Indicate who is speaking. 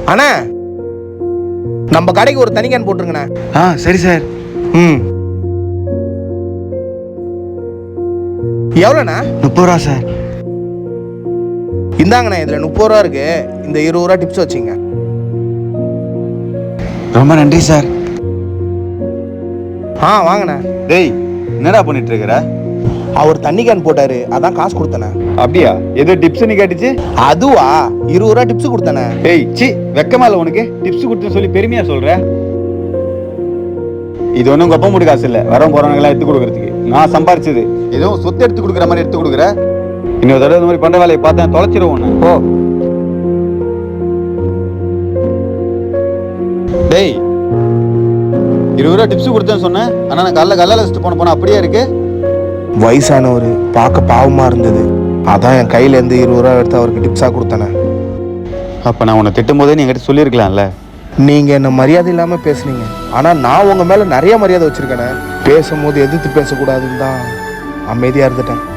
Speaker 1: அண்ணா நம்ம கடைக்கு ஒரு தனி கேன் போட்டுருங்கண்ணே.
Speaker 2: சரி சார்.
Speaker 1: எவ்வளோண்ணா?
Speaker 2: 30 ரூபா சார்.
Speaker 1: இந்தாங்கண்ணா, இதில் 30 ரூபா இருக்கு. இந்த 20 ரூபா டிப்ஸ் வச்சுங்க.
Speaker 2: ரொம்ப நன்றி சார்.
Speaker 1: வாங்கண்ணா.
Speaker 2: டேய், என்னடா பண்ணிட்டு இருக்கிற?
Speaker 1: அவர் தண்ணி கேன் போட்டாரு, அதான் காசு கொடுத்தனே.
Speaker 2: அப்படியா? ஏதோ டிப்ஸ் நீ கேட்டுச்சு.
Speaker 1: அதுவா? 20 ரூபா டிப்ஸ் கொடுத்தனே.
Speaker 2: டேய் சி, வெக்கமா இல்ல உனக்கு? டிப்ஸ் கொடுத்து சொல்லி பெருமையா சொல்ற? இது ஒன்றும் கொப்ப முடி காசு இல்லை, வர போறவங்களாம் எடுத்து கொடுக்கறதுக்கு. நான் சம்பாரிச்சது. ஏதோ சொத்து எடுத்து கொடுக்குற மாதிரி எடுத்து கொடுக்குற. இன்னொரு தடவை இந்த மாதிரி பண்ற வேலையை பார்த்தேன் தொலைச்சிருவோம் ஒன்று. ஓ டேய், 20 ரூபா டிப்ஸ் கொடுத்தேன்னு சொன்னேன். ஆனால் நான் கல்லால் வச்சுட்டு போன அப்படியே இருக்கு.
Speaker 1: வயசானவர் பார்க்க பாவமா இருந்தது, அதான் என் கையில இருந்து 20 ரூபா எடுத்து அவருக்கு டிப்ஸா கொடுத்தனே.
Speaker 2: அப்போ நான் உன்னை திட்டும் போதே நீ என்கிட்ட சொல்லியிருக்கலாம்ல.
Speaker 1: நீங்க என்ன மரியாதை இல்லாம பேசுனீங்க, ஆனா நான் உங்க மேல நிறைய மரியாதை வச்சிருக்கேனே. பேசும்போது எதிர்த்து பேசக்கூடாதுன்னு தான் அமைதியா இருந்துட்டேன்.